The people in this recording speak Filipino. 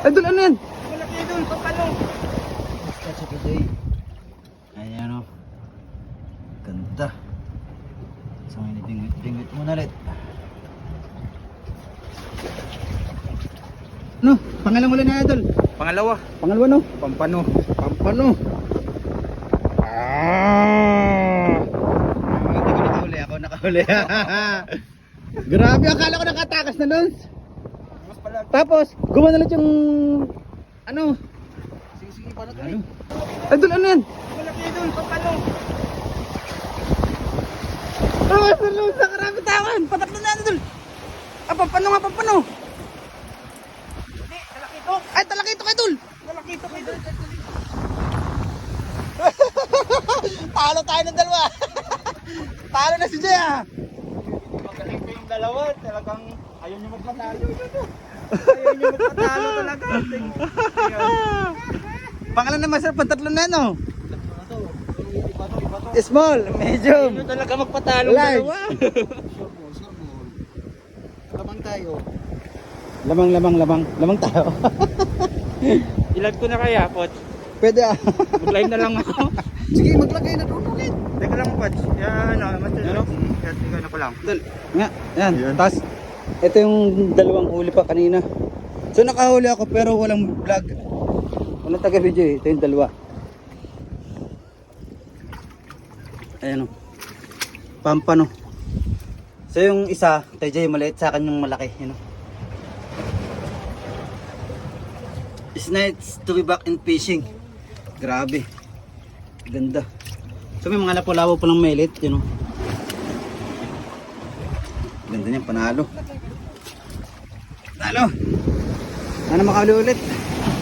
Idol, ano yan? Malaki idol, pampano. Basta sa PJ. Ayan o. Ganda. So ngayon ibingwit muna ulit. No, pangalan mo lang na idol. Pangalawa, Pangalawa no? pampano. Pampano. Ah! Hindi ko nakahuli, ako nakahuli. Grabe, akala ko nakatakas na nun. Mas pala. Tapos, gumana ulit yung ano? Sige, paano to? Ano? Idol, ano yan? Malaki idol, pampano. Oh, salud sa karami tawan. Patatlo na idol. Ah, pampano nga, pampano. Hindi, malaki ito. Ay, talaki ito idol. Malaki ito idol. Talo tayo ng dalawa. Talo na si Jay ah. Magaling pa yung dalawa. Talagang ayaw nyo magpatalo. Ayaw nyo magpatalo talaga. Pangalan naman sir, pantatlo na no? Iba to. Small, medium. Ayaw nyo talaga magpatalo Large. dalawa. Lamang tayo. Lamang tayo. Ilag ko na kaya, Poch. Pwede ah. Mag-live na lang ako. Sige, maglagay na doon ulit. Teka lang, Poch. Yan, ano? Teka na ko lang. Idol, nga, yan. Yan. Tapos, ito yung dalawang huli pa kanina. So nakahuli ako pero walang vlog. Walang taga-video eh. Ito yung dalawa. Ayan o. Pampano. So yung isa, kay Jay maliit, sa akin yung malaki. Yun o. It's nice to be back in fishing. Grabe. Ganda. So may mga lapo-lapo pa ng melit. Yun o. Ganda niya, panalo. Panalo. Sana makahuli ulit.